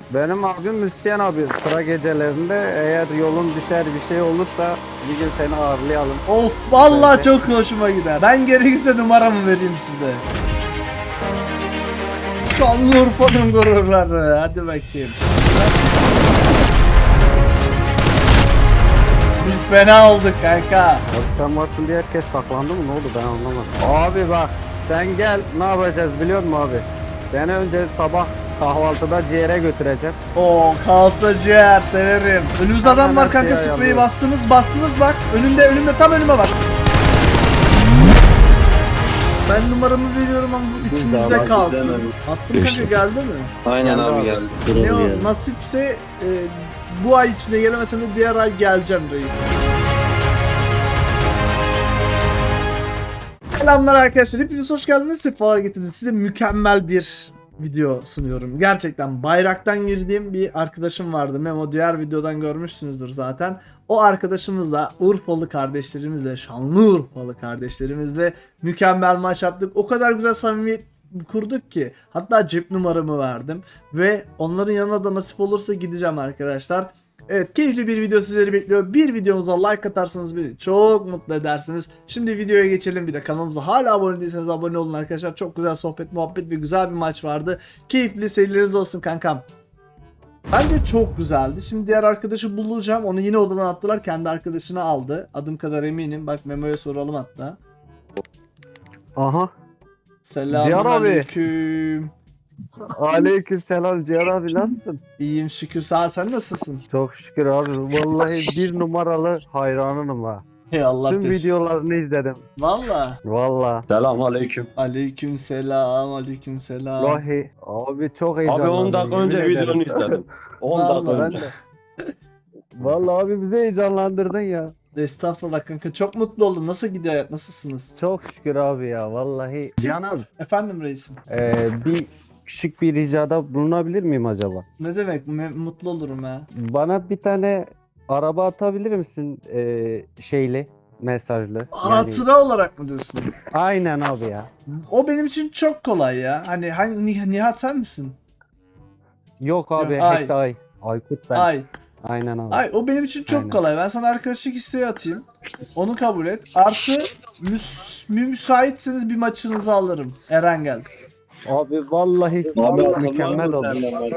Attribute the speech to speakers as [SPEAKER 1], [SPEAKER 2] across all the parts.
[SPEAKER 1] Benim abim müzisyen abi. Sıra gecelerinde eğer yolun düşer bir şey olursa bir gün seni ağırlayalım.
[SPEAKER 2] Of vallahi
[SPEAKER 1] Bence.
[SPEAKER 2] çok hoşuma gider. Ben gerekirse numaramı vereyim size. Şanlıurfa'nın gururları. Hadi bakayım. Biz fena olduk kanka.
[SPEAKER 1] Abi sen varsın diye herkes saklandı mı? Ne oldu ben anlamadım. Abi bak sen gel ne yapacağız biliyor musun abi? Seni önce sabah kahvaltıda ciğere götüreceğim.
[SPEAKER 2] Oo kahvaltı ciğer severim. Önümüzde adam var
[SPEAKER 1] Hemen
[SPEAKER 2] kanka,
[SPEAKER 1] şey
[SPEAKER 2] spreyi
[SPEAKER 1] ayarlıyorum.
[SPEAKER 2] bastınız bak. Önümde tam önüme bak. Ben numaramı veriyorum ama bu
[SPEAKER 1] Biz
[SPEAKER 2] üçümüzde
[SPEAKER 1] daha
[SPEAKER 2] kalsın.
[SPEAKER 3] demedim.
[SPEAKER 2] Attım kanka, geldi mi?
[SPEAKER 3] Aynen
[SPEAKER 1] Geldi
[SPEAKER 3] abi
[SPEAKER 1] abi.
[SPEAKER 3] geldi.
[SPEAKER 2] Ne o nasipse bu ay içinde gelemesem de diğer ay geleceğim reis. Selamlar arkadaşlar, hepiniz hoş geldiniz, sefalar getirdiniz. Size mükemmel bir video sunuyorum. Gerçekten bayraktan girdiğim bir arkadaşım vardı. Memo, diğer videodan görmüşsünüzdür zaten. O arkadaşımızla, Urfalı kardeşlerimizle, Şanlıurfalı kardeşlerimizle mükemmel maç attık. O kadar güzel samimiyet kurduk ki hatta cep numaramı verdim ve onların yanına da nasip olursa gideceğim arkadaşlar. Evet, keyifli bir video sizleri bekliyor. Bir videomuza like atarsanız beni çok mutlu edersiniz. Şimdi videoya geçelim. Bir de kanalımıza hala abone değilseniz abone olun arkadaşlar. Çok güzel sohbet, muhabbet ve güzel bir maç vardı. Keyifli seyirleriniz olsun kankam. Bence çok güzeldi. Şimdi diğer arkadaşı bulacağım. Onu yine odadan attılar. Kendi arkadaşını aldı. Adım kadar eminim. Bak Memo'ya soralım hatta.
[SPEAKER 1] Aha.
[SPEAKER 2] Selamünaleyküm.
[SPEAKER 1] Aleyküm selam Cihan abi nasılsın?
[SPEAKER 2] İyiyim şükür. Sağ, sen nasılsın?
[SPEAKER 1] Çok şükür abi. Vallahi bir numaralı hayranınım ha.
[SPEAKER 2] Hey Allah
[SPEAKER 1] Tüm
[SPEAKER 2] teşekkür.
[SPEAKER 1] videolarını izledim.
[SPEAKER 2] Valla.
[SPEAKER 1] Vallahi.
[SPEAKER 3] Selam aleyküm.
[SPEAKER 2] Aleyküm selam. Aleyküm selam.
[SPEAKER 1] Vallahi. Abi çok
[SPEAKER 3] Abi
[SPEAKER 1] heyecanlandım.
[SPEAKER 3] 10 dakika önce
[SPEAKER 1] yemin ederim.
[SPEAKER 3] videonu izledim. 10 dakika
[SPEAKER 2] Vallahi.
[SPEAKER 1] Ben
[SPEAKER 3] önce.
[SPEAKER 1] de. Vallahi abi bizi heyecanlandırdın ya.
[SPEAKER 2] Estağfurullah kanka, çok mutlu oldum. Nasıl gidiyor hayat? Nasılsınız?
[SPEAKER 1] Çok şükür abi ya vallahi. Cihan abi.
[SPEAKER 2] Efendim reisim.
[SPEAKER 1] Bir küçük bir ricada bulunabilir miyim acaba?
[SPEAKER 2] Ne demek? Mutlu olurum ha.
[SPEAKER 1] Bana bir tane araba atabilir misin şeyli mesajlı? Yani,
[SPEAKER 2] Hatıra olarak mı diyorsun?
[SPEAKER 1] aynen abi ya.
[SPEAKER 2] O benim için çok kolay ya. Hani Nihat sen misin?
[SPEAKER 1] Yok abi
[SPEAKER 2] Yok, Ay.
[SPEAKER 1] hepsi ay. Aykut ben.
[SPEAKER 2] Ay.
[SPEAKER 1] Aynen abi.
[SPEAKER 2] Ay, o benim için çok
[SPEAKER 1] Aynen.
[SPEAKER 2] kolay. Ben sana arkadaşlık isteği atayım. Onu kabul et. Artı müsaitseniz bir maçınızı alırım. Erengel.
[SPEAKER 1] Abi vallahi
[SPEAKER 3] Abi
[SPEAKER 1] mükemmel oldu.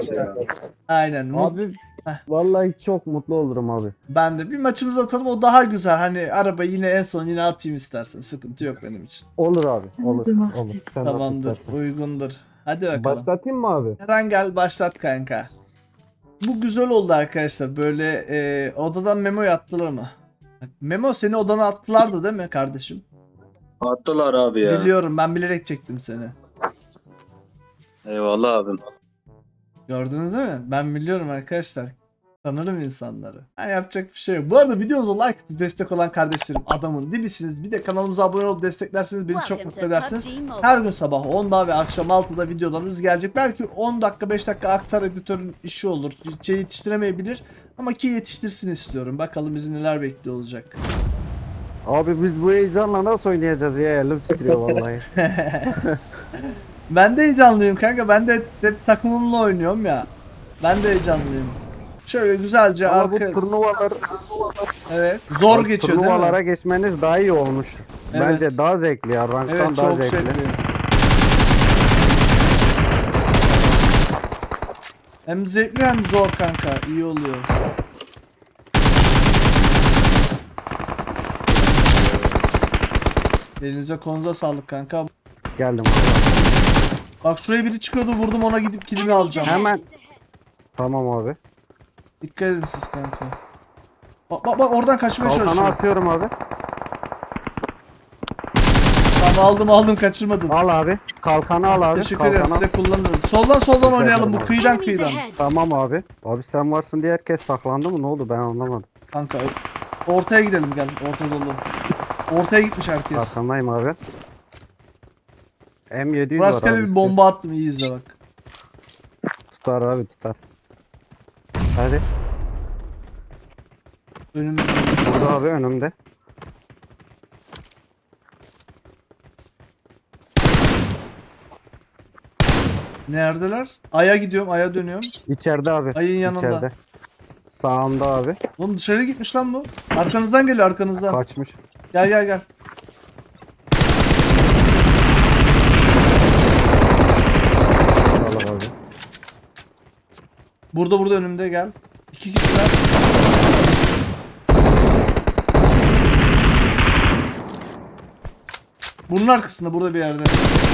[SPEAKER 2] Aynen.
[SPEAKER 1] Abi
[SPEAKER 2] Heh.
[SPEAKER 1] vallahi çok mutlu olurum abi.
[SPEAKER 2] Ben de bir maçımızı atalım, o daha güzel. Hani araba yine en son yine atayım istersen. Sıkıntı yok benim için.
[SPEAKER 1] Olur abi. Olur. Olur. Sen nasıl
[SPEAKER 2] Tamamdır.
[SPEAKER 1] istersen.
[SPEAKER 2] Uygundur. Hadi bakalım.
[SPEAKER 1] Başlatayım mı abi?
[SPEAKER 2] Erengel başlat kanka. Bu güzel oldu arkadaşlar. Böyle odadan Memo'yu attılar mı? Memo, seni odana attılardı değil mi kardeşim?
[SPEAKER 3] Attılar abi ya.
[SPEAKER 2] Biliyorum, ben bilerek çektim seni.
[SPEAKER 3] Eyvallah abim.
[SPEAKER 2] Gördünüz değil mi? Ben biliyorum arkadaşlar. Tanırım insanları. Yani yapacak bir şey yok. Bu arada videomuza like atıp destek olan kardeşlerim, adamın dibisiniz. Bir de kanalımıza abone olup desteklerseniz beni çok mutlu edersiniz. Her gün sabah 10'da ve akşam 6'da videolarımız gelecek. Belki 10 dakika 5 dakika aktar editörün işi olur. Şey yetiştiremeyebilir. Ama ki yetiştirsin istiyorum. Bakalım bizi neler bekliyor olacak.
[SPEAKER 1] Abi biz bu heyecanla nasıl oynayacağız ya? Elim titriyor vallahi.
[SPEAKER 2] Ben de heyecanlıyım kanka. Ben de hep takımımla oynuyorum ya. Ben de heyecanlıyım. Şöyle güzelce
[SPEAKER 1] Ama bu
[SPEAKER 2] arka...
[SPEAKER 1] turnuvalar
[SPEAKER 2] Evet. Zor geçiyor değil
[SPEAKER 1] turnuvalara
[SPEAKER 2] mi?
[SPEAKER 1] geçmeniz daha iyi olmuş.
[SPEAKER 2] Evet.
[SPEAKER 1] Bence daha zevkli ya. Ranktan
[SPEAKER 2] Evet,
[SPEAKER 1] daha
[SPEAKER 2] çok
[SPEAKER 1] zevkli.
[SPEAKER 2] zevkli. Hem zevkli hem zor kanka. İyi oluyor. Elinize konuza sağlık kanka.
[SPEAKER 1] Geldim.
[SPEAKER 2] Bak şuraya biri çıkıyordu, vurdum ona, gidip kilimi alacağım.
[SPEAKER 1] Hemen. Tamam abi.
[SPEAKER 2] Dikkat edin siz kanka. Bak oradan kaçmaya
[SPEAKER 1] Kalkanı
[SPEAKER 2] çalışıyorum.
[SPEAKER 1] atıyorum abi.
[SPEAKER 2] Tamam, aldım kaçırmadım.
[SPEAKER 1] Al abi. Kalkanı al abi.
[SPEAKER 2] Teşekkür ederim,
[SPEAKER 1] Kalkanı al.
[SPEAKER 2] size kullanırım. Soldan oynayalım, bu
[SPEAKER 1] ederim.
[SPEAKER 2] kıyıdan.
[SPEAKER 1] Tamam abi. Abi sen varsın diye herkes saklandı mı? Ne oldu? Ben anlamadım.
[SPEAKER 2] Kanka ortaya gidelim, gel. Orta dolu. Ortaya gitmiş herkes.
[SPEAKER 1] Arkandayım abi. M700 var
[SPEAKER 2] Rastgele
[SPEAKER 1] abi.
[SPEAKER 2] bir bomba attım, iyi izle bak.
[SPEAKER 1] Tutar abi tutar. Hadi.
[SPEAKER 2] Önümde.
[SPEAKER 1] Burada abi önümde.
[SPEAKER 2] Neredeler? Aya gidiyorum, aya dönüyorum.
[SPEAKER 1] İçeride abi.
[SPEAKER 2] Ayın yanında.
[SPEAKER 1] İçeride. Sağımda abi.
[SPEAKER 2] Oğlum dışarı gitmiş lan bu. Arkanızdan geliyor, arkanızdan.
[SPEAKER 1] Kaçmış.
[SPEAKER 2] Gel gel gel.
[SPEAKER 1] Allah abi.
[SPEAKER 2] Burada önümde gel. 2 kişiler. Bunun arkasında burada bir yerde.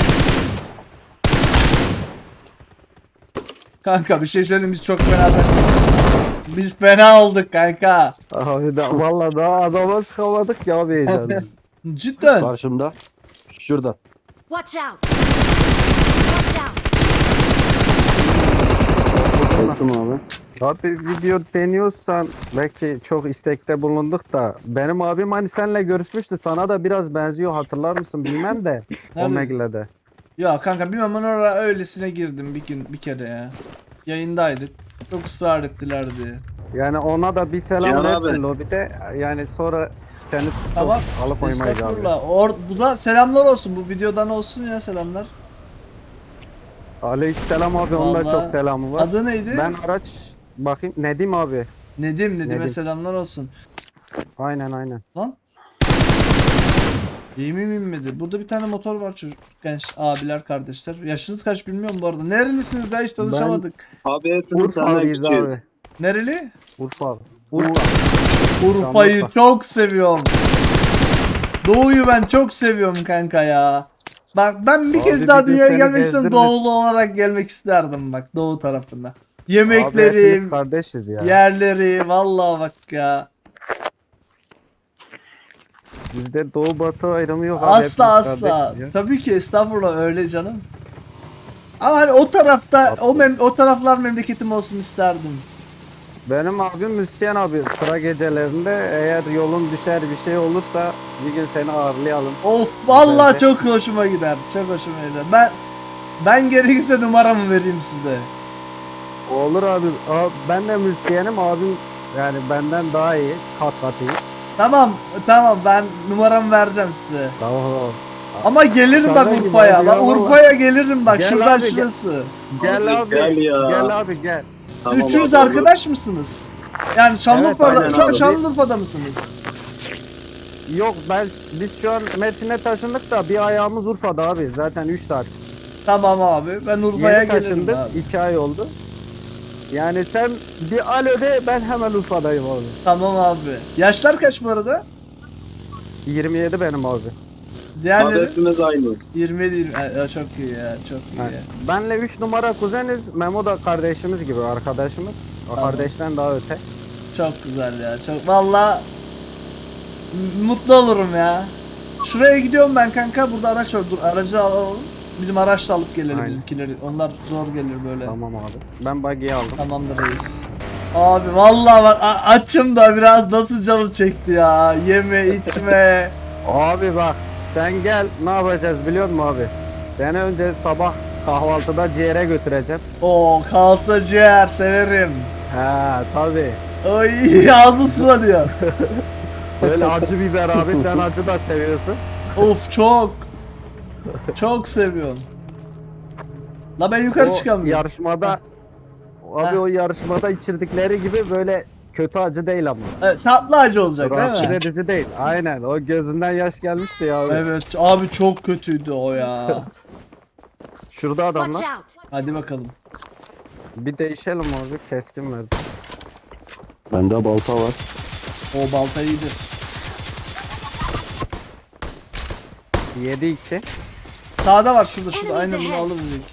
[SPEAKER 2] Kanka bir şey söyleyeyim, biz çok fena. Biz fena olduk kanka.
[SPEAKER 1] Abi da vallahi daha adama sıkamadık ya abi heyecanla.
[SPEAKER 2] Cidden.
[SPEAKER 3] Karşımda. Şurada.
[SPEAKER 4] Watch out! Watch out!
[SPEAKER 3] Korktum abi.
[SPEAKER 1] Abi video deniyorsan belki çok istekte bulunduk da benim abim hani seninle görüşmüştü, sana da biraz benziyor, hatırlar mısın bilmem de
[SPEAKER 2] Nerede?
[SPEAKER 1] Omegle'de.
[SPEAKER 2] Ya kanka bilmem, ben oraya öylesine girdim bir kere ya. Yayındaydık. Çok ısrar ettiler diye.
[SPEAKER 1] Yani ona da bir selam
[SPEAKER 3] Cihan
[SPEAKER 1] versin
[SPEAKER 3] abi.
[SPEAKER 1] lobide, yani sonra seni
[SPEAKER 2] Tamam.
[SPEAKER 1] alıp oymayacağım.
[SPEAKER 2] Estağfurullah. Bu da selamlar olsun. Bu videodan olsun ya selamlar.
[SPEAKER 1] Aleykümselam abi, onun da
[SPEAKER 2] Vallahi.
[SPEAKER 1] çok selamı var.
[SPEAKER 2] Adı neydi?
[SPEAKER 1] Ben araç bakayım, Nedim abi.
[SPEAKER 2] Nedim'e
[SPEAKER 1] Nedim.
[SPEAKER 2] selamlar olsun.
[SPEAKER 1] Aynen.
[SPEAKER 2] Lan. Yemin inmedi. Burada bir tane motor var çocuk. Genç abiler, kardeşler. Yaşınız kaç bilmiyorum bu arada. Nerelisiniz ya, hiç tanışamadık.
[SPEAKER 3] Abi hepimiz senden
[SPEAKER 1] Urfalıyız
[SPEAKER 3] küçüğüz.
[SPEAKER 1] abi.
[SPEAKER 2] Nereli?
[SPEAKER 1] Urfa.
[SPEAKER 2] Urfa'yı
[SPEAKER 1] Şanlıurfa.
[SPEAKER 2] çok seviyorum. Doğu'yu ben çok seviyorum kanka ya. Bak ben bir
[SPEAKER 1] Abi
[SPEAKER 2] kez
[SPEAKER 1] bir
[SPEAKER 2] daha
[SPEAKER 1] gün
[SPEAKER 2] dünyaya
[SPEAKER 1] seni
[SPEAKER 2] gelmek istedim,
[SPEAKER 1] gezdiririz.
[SPEAKER 2] doğulu olarak gelmek isterdim bak, Doğu tarafında.
[SPEAKER 1] Abi hepimiz
[SPEAKER 2] Yemeklerim,
[SPEAKER 1] kardeşiz ya.
[SPEAKER 2] yerleri, vallahi bak ya.
[SPEAKER 1] Bizde doğu batı ayrımı yok abi.
[SPEAKER 2] Asla
[SPEAKER 1] hepimiz
[SPEAKER 2] asla.
[SPEAKER 1] kardeşiz ya.
[SPEAKER 2] Tabii ki estağfurullah, öyle canım. Ama hani o tarafta o taraflar memleketim olsun isterdim.
[SPEAKER 1] Benim abim müzisyen abi. Sıra gecelerinde eğer yolun düşer bir şey olursa bir gün seni ağırlayalım.
[SPEAKER 2] Of vallahi
[SPEAKER 1] Güzel de.
[SPEAKER 2] çok hoşuma gider. Çok hoşuma gider. Ben gerekirse numaramı vereyim size.
[SPEAKER 1] Olur abi. Ben de müzisyenim, abim yani benden daha iyi. Kat iyi.
[SPEAKER 2] Tamam ben numaramı vereceğim size.
[SPEAKER 1] Tamam.
[SPEAKER 2] Ama gelirim bak
[SPEAKER 1] Sana gibi
[SPEAKER 2] Urfa'ya.
[SPEAKER 1] abi
[SPEAKER 2] Bak
[SPEAKER 1] ya, vallahi.
[SPEAKER 2] Urfa'ya gelirim bak,
[SPEAKER 1] Gel
[SPEAKER 2] şuradan
[SPEAKER 1] abi, gel.
[SPEAKER 2] şurası.
[SPEAKER 1] Gel abi.
[SPEAKER 3] Gel ya.
[SPEAKER 1] Gel abi gel.
[SPEAKER 3] Tamam
[SPEAKER 2] Üçünüz
[SPEAKER 3] abi,
[SPEAKER 2] arkadaş mısınız? Yani Şanlıurfa'da,
[SPEAKER 3] aynen
[SPEAKER 2] şu an
[SPEAKER 3] abi.
[SPEAKER 2] Şanlıurfa'da mısınız?
[SPEAKER 1] Yok, biz şu an Mersin'e taşındık da bir ayağımız Urfa'da abi. Zaten 3 saat.
[SPEAKER 2] Tamam abi, ben Urfa'ya
[SPEAKER 1] Yeni
[SPEAKER 2] gelirim
[SPEAKER 1] taşındık.
[SPEAKER 2] abi.
[SPEAKER 1] 2 ay oldu. Yani sen bir alo de, ben hemen Urfa'dayım abi.
[SPEAKER 2] Tamam abi. Yaşlar kaç bu arada?
[SPEAKER 1] 27 benim abi.
[SPEAKER 3] Abi
[SPEAKER 2] Diğerleri?
[SPEAKER 3] hepimiz aynıyız.
[SPEAKER 2] 27 20. Ya çok iyi ya, çok iyi
[SPEAKER 1] Ha,
[SPEAKER 2] ya.
[SPEAKER 1] Benle 3 numara kuzeniz. Memo da kardeşimiz gibi, arkadaşımız. O
[SPEAKER 2] Tamam.
[SPEAKER 1] kardeşten daha öte.
[SPEAKER 2] Çok güzel ya. Çok valla mutlu olurum ya. Şuraya gidiyorum ben kanka. Burada araç var. Dur aracı alalım. Bizim araçla alıp gelelim
[SPEAKER 1] Aynen.
[SPEAKER 2] bizimkileri. Onlar zor gelir böyle.
[SPEAKER 1] Tamam abi. Ben buggy'i aldım.
[SPEAKER 2] Tamamdır reis. Abi vallahi bak açım da biraz, nasıl canım çekti ya. Yeme içme.
[SPEAKER 1] Abi bak, sen gel, ne yapacağız biliyor musun abi? Seni önce sabah kahvaltıda ciğere götüreceğim.
[SPEAKER 2] Oo kalça ciğer severim.
[SPEAKER 1] He tabi.
[SPEAKER 2] Oy ağzım sulanıyor.
[SPEAKER 1] Böyle acı biber abi, sen acı da seviyorsun.
[SPEAKER 2] Of çok. Çok seviyorum. La ben yukarı
[SPEAKER 1] O
[SPEAKER 2] çıkamıyorum.
[SPEAKER 1] yarışmada abi,
[SPEAKER 2] Heh.
[SPEAKER 1] o yarışmada içirdikleri gibi böyle kötü acı değil ama.
[SPEAKER 2] Tatlı acı olacak
[SPEAKER 1] Rahatsız
[SPEAKER 2] değil mi?
[SPEAKER 1] edici değil. Aynen, o gözünden yaş gelmişti ya abi.
[SPEAKER 2] Evet abi çok kötüydü o ya.
[SPEAKER 1] Şurada
[SPEAKER 4] Watch
[SPEAKER 1] adamlar.
[SPEAKER 4] out!
[SPEAKER 2] Hadi bakalım.
[SPEAKER 1] Bir değişelim abi, keskin verdi.
[SPEAKER 3] Bende balta var.
[SPEAKER 2] O balta iyidir.
[SPEAKER 1] 7-2.
[SPEAKER 2] Sağda var, şurada
[SPEAKER 4] Enemies
[SPEAKER 2] aynen bunu
[SPEAKER 4] ahead.
[SPEAKER 2] alırız ilk.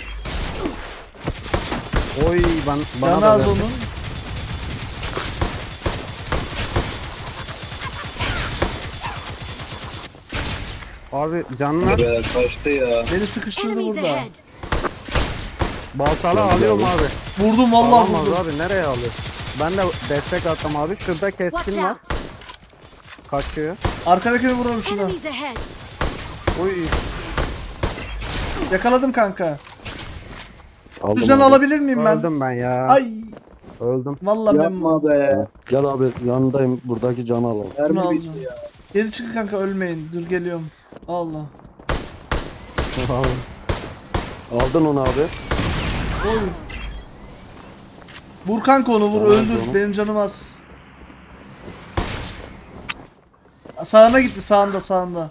[SPEAKER 1] Oy, bana
[SPEAKER 2] Canı
[SPEAKER 1] da
[SPEAKER 2] az
[SPEAKER 1] verdi.
[SPEAKER 2] onun.
[SPEAKER 1] Abi canlar
[SPEAKER 3] Be, kaçtı ya.
[SPEAKER 2] Beni sıkıştırdı
[SPEAKER 4] Enemies
[SPEAKER 2] burada.
[SPEAKER 4] ahead!
[SPEAKER 1] baltalı
[SPEAKER 3] Ben
[SPEAKER 1] alıyorum
[SPEAKER 3] de
[SPEAKER 1] abi.
[SPEAKER 2] Vurdum vallahi
[SPEAKER 1] Alamaz
[SPEAKER 2] vurdum.
[SPEAKER 1] abi, nereye alıyor? Ben de destek attım abi. Şurada
[SPEAKER 4] Watch
[SPEAKER 1] keskin var.
[SPEAKER 4] out!
[SPEAKER 1] Kaçıyor.
[SPEAKER 2] Arkadakini vuralım şuna.
[SPEAKER 4] Enemies ahead!
[SPEAKER 1] Uy.
[SPEAKER 2] Yakaladım kanka.
[SPEAKER 3] Aldım
[SPEAKER 2] Şuradan
[SPEAKER 3] abi.
[SPEAKER 2] alabilir miyim ben?
[SPEAKER 1] Öldüm ben ya.
[SPEAKER 2] Ay
[SPEAKER 1] Öldüm.
[SPEAKER 2] vallahi ben
[SPEAKER 3] Yapma be. Gel abi yanındayım, buradaki canı alalım.
[SPEAKER 2] bunu aldım. Geri çıkın kanka, ölmeyin. Dur geliyorum. Allah.
[SPEAKER 3] Aldın onu abi.
[SPEAKER 2] Oy. Vur kanka onu vur
[SPEAKER 3] Tamam,
[SPEAKER 2] öldür.
[SPEAKER 3] tamam.
[SPEAKER 2] Benim canım az. Sağına gitti sağında.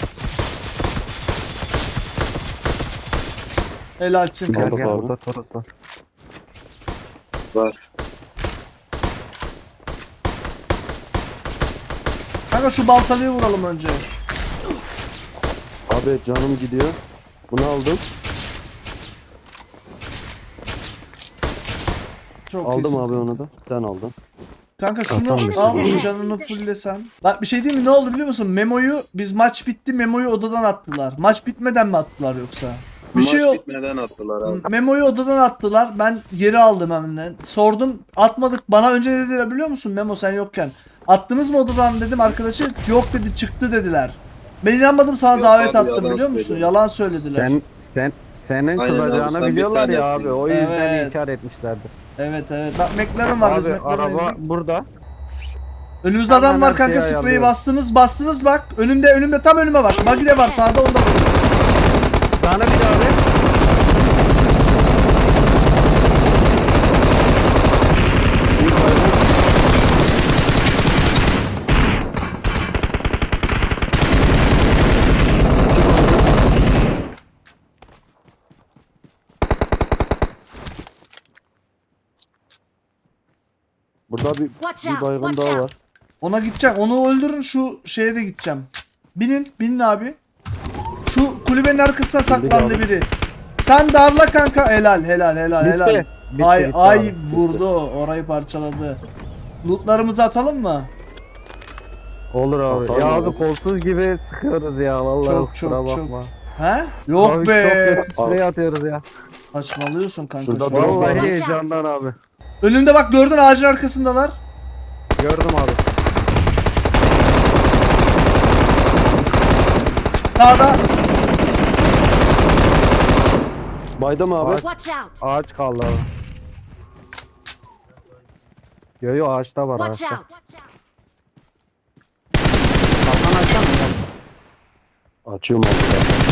[SPEAKER 2] Helalsin
[SPEAKER 1] Gel
[SPEAKER 2] kanka.
[SPEAKER 1] gel
[SPEAKER 3] abi.
[SPEAKER 1] burada Toros var.
[SPEAKER 5] Var.
[SPEAKER 2] Kanka şu baltalıyı vuralım önce.
[SPEAKER 3] Abi canım gidiyor. Bunu aldım.
[SPEAKER 2] Çok
[SPEAKER 3] Aldım
[SPEAKER 2] iyisin.
[SPEAKER 3] abi onu da. Sen aldın.
[SPEAKER 2] Kanka şunu
[SPEAKER 1] Hasan
[SPEAKER 2] al
[SPEAKER 4] Bey.
[SPEAKER 2] canını fullesen. Bak bir şey diyeyim mi, ne oldu biliyor musun? Memo'yu biz maç bitti Memo'yu odadan attılar. Maç bitmeden mi attılar yoksa? Bir
[SPEAKER 5] Maç
[SPEAKER 2] şey yok.
[SPEAKER 5] bitmeden attılar abi.
[SPEAKER 2] Memo'yu odadan attılar. Ben geri aldım hemen. Sordum atmadık. Bana önce ne dediler biliyor musun Memo sen yokken? Attınız mı odadan dedim arkadaşı. Yok dedi çıktı dediler. Ben inanmadım sana
[SPEAKER 5] Yok
[SPEAKER 2] davet
[SPEAKER 5] abi,
[SPEAKER 2] attım
[SPEAKER 5] yalan
[SPEAKER 2] biliyor musun?
[SPEAKER 5] söylediler.
[SPEAKER 2] Yalan söylediler.
[SPEAKER 1] Senin
[SPEAKER 5] Aynen abi,
[SPEAKER 1] kızacağını
[SPEAKER 5] sen bir
[SPEAKER 1] biliyorlar ya
[SPEAKER 5] tanesin.
[SPEAKER 1] abi. O yüzden
[SPEAKER 2] Evet.
[SPEAKER 1] inkar etmişlerdir.
[SPEAKER 2] Evet. Bak McLaren var biz
[SPEAKER 1] Abi
[SPEAKER 2] McLaren'a
[SPEAKER 1] araba
[SPEAKER 2] indik.
[SPEAKER 1] burada.
[SPEAKER 2] Önümüzde adam
[SPEAKER 1] Hemen
[SPEAKER 2] var
[SPEAKER 1] her
[SPEAKER 2] kanka
[SPEAKER 1] şeyi
[SPEAKER 2] spreyi
[SPEAKER 1] ayarlıyorum.
[SPEAKER 2] bastınız bak. Önümde tam önüme bak. Buggy de var sağda onda var.
[SPEAKER 1] Sana bir abi.
[SPEAKER 3] Burada
[SPEAKER 4] Watch
[SPEAKER 3] bir
[SPEAKER 4] out,
[SPEAKER 3] baygın
[SPEAKER 4] watch
[SPEAKER 3] daha
[SPEAKER 4] out.
[SPEAKER 3] var.
[SPEAKER 2] Ona gideceğim. Onu öldürün şu şeye de gideceğim. Binin abi. Şu kulübenin arkasına saklandı
[SPEAKER 3] abi.
[SPEAKER 2] biri. Sen darla kanka. Helal.
[SPEAKER 1] Bitti,
[SPEAKER 2] Ay
[SPEAKER 1] bitti
[SPEAKER 2] ay
[SPEAKER 1] abi,
[SPEAKER 2] vurdu orayı parçaladı. Lootlarımızı atalım mı?
[SPEAKER 1] Olur abi.
[SPEAKER 3] Tamam
[SPEAKER 1] Ya
[SPEAKER 3] abi.
[SPEAKER 1] abi kolsuz gibi sıkıyoruz ya vallahi
[SPEAKER 2] Çok,
[SPEAKER 1] kusura
[SPEAKER 2] çok,
[SPEAKER 1] bakma.
[SPEAKER 2] He? Yok
[SPEAKER 1] Abi
[SPEAKER 2] be.
[SPEAKER 1] çok kötü sprey atıyoruz ya.
[SPEAKER 2] Saçmalıyorsun kanka.
[SPEAKER 3] Şurada
[SPEAKER 2] şu an.
[SPEAKER 3] drone var.
[SPEAKER 1] Vallahi
[SPEAKER 4] Watch out.
[SPEAKER 1] heyecandan abi.
[SPEAKER 2] Önümde bak gördün ağacın arkasındalar.
[SPEAKER 1] Gördüm abi.
[SPEAKER 2] Sağda.
[SPEAKER 3] Baydım abi.
[SPEAKER 4] Watch out.
[SPEAKER 1] Ağaç kaldı abi. Yo ağaçta var
[SPEAKER 4] Watch
[SPEAKER 1] ağaçta.
[SPEAKER 4] out.
[SPEAKER 1] Kalkan açsana ya.
[SPEAKER 3] Açıyorum abi.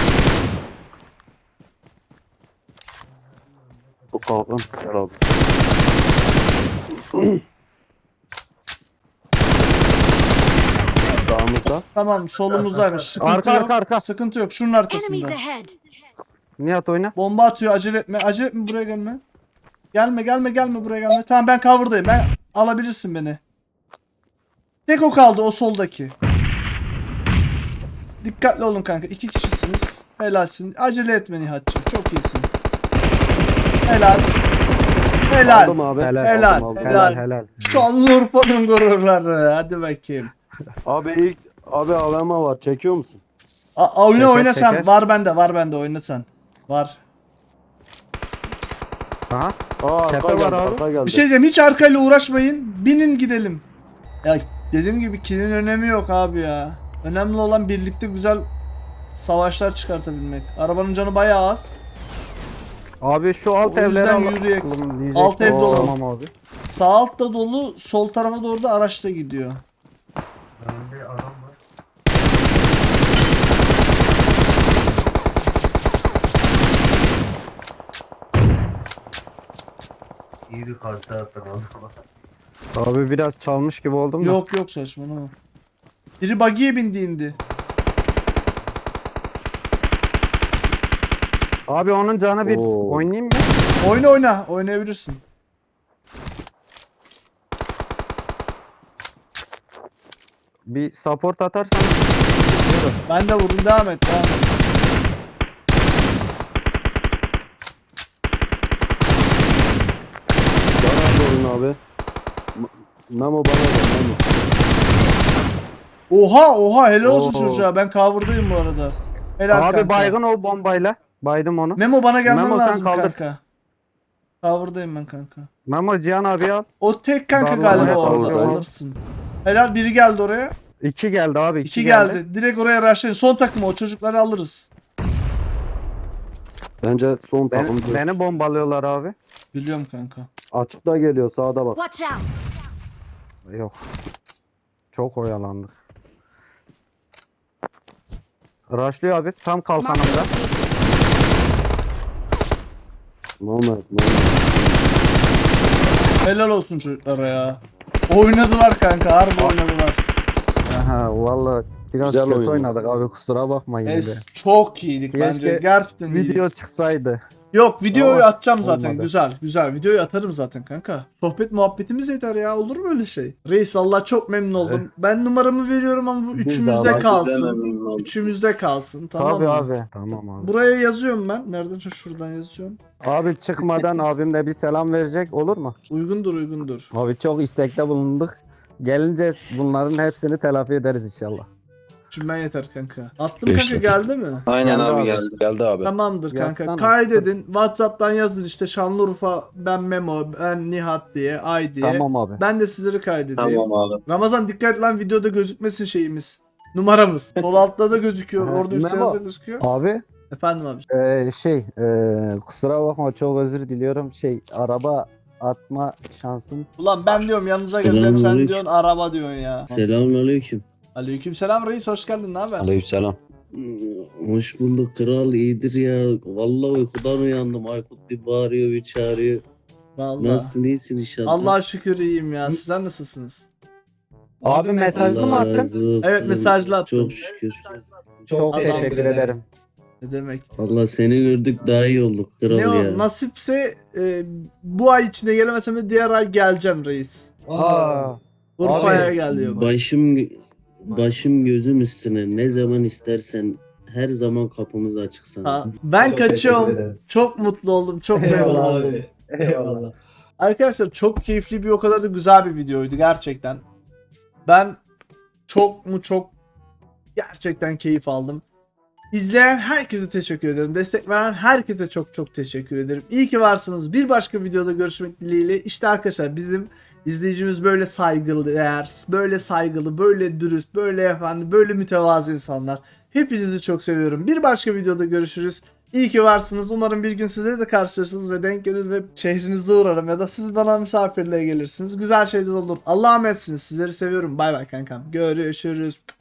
[SPEAKER 3] Bu kalkan. Gel abi. Sağımızda.
[SPEAKER 2] Tamam solumuzdaymış. Sıkıntı
[SPEAKER 1] Arka,
[SPEAKER 2] yok.
[SPEAKER 1] arka, arka.
[SPEAKER 2] Sıkıntı yok. Şunun
[SPEAKER 4] Enemies
[SPEAKER 2] arkasında.
[SPEAKER 4] ahead.
[SPEAKER 1] Nihat oyna.
[SPEAKER 2] Bomba atıyor. Acele etme. Acele etme buraya gelme. Gelme buraya gelme. Tamam ben cover'dayım. Ben alabilirsin beni. Tek o kaldı o soldaki. Dikkatli olun kanka. 2 kişisiniz. Helalsin. Acele etme Nihat'cığım. Çok iyisin. Helal.
[SPEAKER 3] Aldım abi.
[SPEAKER 1] Helal.
[SPEAKER 3] Aldım, aldım.
[SPEAKER 1] Helal.
[SPEAKER 2] Şanlıurfa'nın gururları. Hadi bakayım.
[SPEAKER 3] Abi AVM var. Çekiyor musun?
[SPEAKER 2] Oyna
[SPEAKER 1] Çeker,
[SPEAKER 2] oyna sen.
[SPEAKER 1] çeker.
[SPEAKER 2] Var bende oyna sen. Var.
[SPEAKER 1] Aha.
[SPEAKER 3] Aa
[SPEAKER 1] Tepe
[SPEAKER 3] arka
[SPEAKER 1] var
[SPEAKER 3] geldi.
[SPEAKER 1] abi.
[SPEAKER 3] Arka geldi.
[SPEAKER 2] Bir şey diyeceğim. Hiç arkayla uğraşmayın. Binin gidelim. Ya dediğim gibi kill'in önemi yok abi ya. Önemli olan birlikte güzel savaşlar çıkartabilmek. Arabanın canı bayağı az.
[SPEAKER 1] Abi şu alt
[SPEAKER 2] O yüzden
[SPEAKER 1] evleri alalım
[SPEAKER 2] yürüyek.
[SPEAKER 1] diyecektim.
[SPEAKER 2] Alt ev dolu.
[SPEAKER 1] Tamam abi.
[SPEAKER 2] Sağ altta dolu, sol tarafa doğru da araçta gidiyor.
[SPEAKER 1] Abi biraz çalmış gibi oldum da.
[SPEAKER 2] Yok saçmalama. Biri buggy'ye bindi indi.
[SPEAKER 1] Abi onun canı bir
[SPEAKER 3] Oo.
[SPEAKER 1] oynayayım mı?
[SPEAKER 2] Oyna oynayabilirsin.
[SPEAKER 1] Bir support atarsan.
[SPEAKER 2] Ben de vurdum devam et.
[SPEAKER 3] Bana sorun abi. Memo bana ver. Memo.
[SPEAKER 2] Oha helal olsun
[SPEAKER 3] Oo.
[SPEAKER 2] çocuğa. Ben cover'dayım bu arada. Helal
[SPEAKER 1] Abi
[SPEAKER 2] kanka.
[SPEAKER 1] baygın o bombayla. Baydım onu.
[SPEAKER 2] Memo bana gelmen
[SPEAKER 1] Memo, sen
[SPEAKER 2] lazım
[SPEAKER 1] kaldır.
[SPEAKER 2] kanka. Cover'dayım ben kanka.
[SPEAKER 1] Memo Cihan abi al.
[SPEAKER 2] O tek kanka
[SPEAKER 1] Darla
[SPEAKER 2] galiba
[SPEAKER 3] oraya
[SPEAKER 2] orada
[SPEAKER 3] kaldır.
[SPEAKER 2] alırsın. Helal biri geldi oraya.
[SPEAKER 1] 2 geldi abi.
[SPEAKER 2] 2 geldi. Direkt oraya rushlayın. Son takım o çocukları alırız.
[SPEAKER 3] Bence son takım.
[SPEAKER 1] Beni bombalıyorlar abi.
[SPEAKER 2] Biliyorum kanka.
[SPEAKER 3] Açıkta geliyor sağda bak.
[SPEAKER 4] Watch out.
[SPEAKER 1] Yok. Çok oyalandık. Rushlıyor abi tam kalkanımda.
[SPEAKER 3] Mehmet.
[SPEAKER 2] Helal olsun çocuklara ya. Oynadılar kanka, harbi oynadılar.
[SPEAKER 1] Aha valla biraz
[SPEAKER 3] Güzel
[SPEAKER 1] kötü
[SPEAKER 3] oyun.
[SPEAKER 1] oynadık abi, kusura bakma yine de.
[SPEAKER 2] Çok iyiydik
[SPEAKER 1] Keşke
[SPEAKER 2] bence. Gerçekten iyiydik.
[SPEAKER 1] Video çıksaydı.
[SPEAKER 2] Yok, videoyu
[SPEAKER 1] Ama
[SPEAKER 2] atacağım zaten.
[SPEAKER 1] olmadı.
[SPEAKER 2] Güzel. Videoyu atarım zaten kanka. Sohbet muhabbetimiz yeter ya. Olur mu öyle şey? Reis vallahi çok memnun oldum. Ben numaramı veriyorum ama bu
[SPEAKER 1] Biz de
[SPEAKER 2] üçümüzde
[SPEAKER 1] abi.
[SPEAKER 2] kalsın. Üçümüzde kalsın, tamam
[SPEAKER 1] Tabii
[SPEAKER 2] mı?
[SPEAKER 1] abi. Tamam abi.
[SPEAKER 2] Buraya yazıyorum ben. Nereden? Şuradan yazıyorum.
[SPEAKER 1] Abi çıkmadan abimle bir selam verecek olur mu?
[SPEAKER 2] Uygundur.
[SPEAKER 1] Abi çok istekte bulunduk. Gelince bunların hepsini telafi ederiz inşallah.
[SPEAKER 2] Şimdi ben yeter kanka. Attım kanka, geldi mi?
[SPEAKER 5] Aynen
[SPEAKER 1] Geldi
[SPEAKER 5] abi
[SPEAKER 1] abi.
[SPEAKER 5] geldi.
[SPEAKER 3] Geldi abi.
[SPEAKER 2] Tamamdır kanka.
[SPEAKER 1] Yazsana.
[SPEAKER 2] Kaydedin. WhatsApp'tan yazın işte Şanlıurfa, ben Memo, ben Nihat diye, Ay diye.
[SPEAKER 1] Tamam abi.
[SPEAKER 2] Ben de sizleri kaydedeyim.
[SPEAKER 5] Tamam abi.
[SPEAKER 2] Ramazan dikkat lan, videoda gözükmesin şeyimiz. Numaramız. Sol altta da gözüküyor.
[SPEAKER 1] Ha,
[SPEAKER 2] Orada üstte
[SPEAKER 1] Memo.
[SPEAKER 2] yazda gözüküyor.
[SPEAKER 1] Abi
[SPEAKER 2] Efendim abi.
[SPEAKER 1] kusura bakma, çok özür diliyorum. Araba atma şansım.
[SPEAKER 2] Ulan ben diyorum yanınıza geleceğim, sen
[SPEAKER 6] Selamünaleyküm.
[SPEAKER 2] diyorsun araba diyorsun ya.
[SPEAKER 6] Selamünaleyküm.
[SPEAKER 2] Aleykümselam reis, hoş geldin, ne haber?
[SPEAKER 3] Aleykümselam.
[SPEAKER 6] Hoş bulduk kral, iyidir ya. Vallahi uykudan uyandım. Aykut bir bağırıyor bir çağırıyor.
[SPEAKER 2] Vallahi.
[SPEAKER 6] Nasılsın, iyisin inşallah?
[SPEAKER 2] Allah'a şükür iyiyim ya. Sizler nasılsınız?
[SPEAKER 1] Abi mesajlı mı
[SPEAKER 6] Allah
[SPEAKER 1] attın?
[SPEAKER 6] razı olsun.
[SPEAKER 2] Evet, mesajlı attım.
[SPEAKER 6] Çok şükür.
[SPEAKER 1] Çok
[SPEAKER 2] Adam
[SPEAKER 1] teşekkür
[SPEAKER 2] be.
[SPEAKER 1] ederim.
[SPEAKER 2] Ne demek?
[SPEAKER 6] Vallahi seni gördük daha iyi olduk kral
[SPEAKER 2] Ne
[SPEAKER 6] ya.
[SPEAKER 2] o nasipse bu ay içinde gelemesem de diğer ay geleceğim reis.
[SPEAKER 1] Aa,
[SPEAKER 2] Urfa'ya
[SPEAKER 1] Abi,
[SPEAKER 2] geliyorum.
[SPEAKER 6] Başım gözüm üstüne. Ne zaman istersen her zaman kapımız açık sana.
[SPEAKER 2] Ha, ben kaçıyorum. Çok mutlu oldum. Çok memnun oldum.
[SPEAKER 4] Eyvallah.
[SPEAKER 2] Arkadaşlar çok keyifli bir, o kadar da güzel bir videoydu gerçekten. Ben çok gerçekten keyif aldım. İzleyen herkese teşekkür ederim. Destek veren herkese çok teşekkür ederim. İyi ki varsınız. Bir başka videoda görüşmek dileğiyle. İşte arkadaşlar bizim izleyicimiz böyle saygılı, böyle saygılı, böyle dürüst, böyle efendi, böyle mütevazı insanlar. Hepinizi çok seviyorum. Bir başka videoda görüşürüz. İyi ki varsınız. Umarım bir gün sizleri de karşılaşırız ve denk geliriz ve şehrinizde uğrarım ya da siz bana misafirliğe gelirsiniz. Güzel şeyler olur. Allah'a emanetsiniz. Sizleri seviyorum. Bay bay kankam. Görüşürüz.